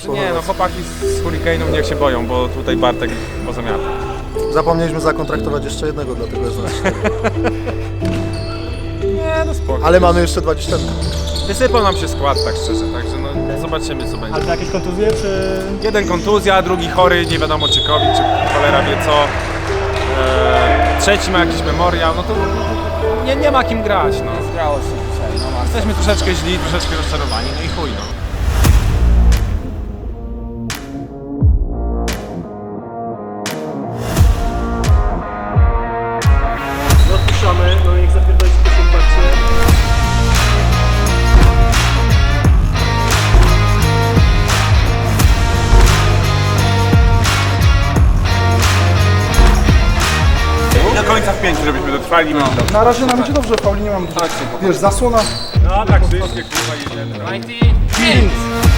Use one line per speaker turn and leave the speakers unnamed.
Nie, no chłopaki z Hurricane'ów niech się boją, bo tutaj Bartek poza miarą.
Zapomnieliśmy zakontraktować jeszcze jednego, dlatego jest nas 4.
Nie, no spoko.
Ale mamy jeszcze 20.
Wysypał nam się skład, tak szczerze, także no zobaczymy co będzie.
Ale to jakieś kontuzje, czy...
Jeden kontuzja, drugi chory, nie wiadomo czy COVID, czy cholera wie co. Trzeci ma jakiś memoriał, no to nie ma kim grać, no.
Grało się dzisiaj, no
Jesteśmy troszeczkę źli, troszeczkę rozczarowani, no i chuj, no.
No odpuszczamy, no niech zapierdolić w pierwszym parcie.
Do końca w 5, żebyśmy dotrwali. No.
Na razie nam idzie dobrze, Pauli nie mam dużo. Wiesz, zasłona.
No tak, wszystkie kurwa jedziemy. No.
5!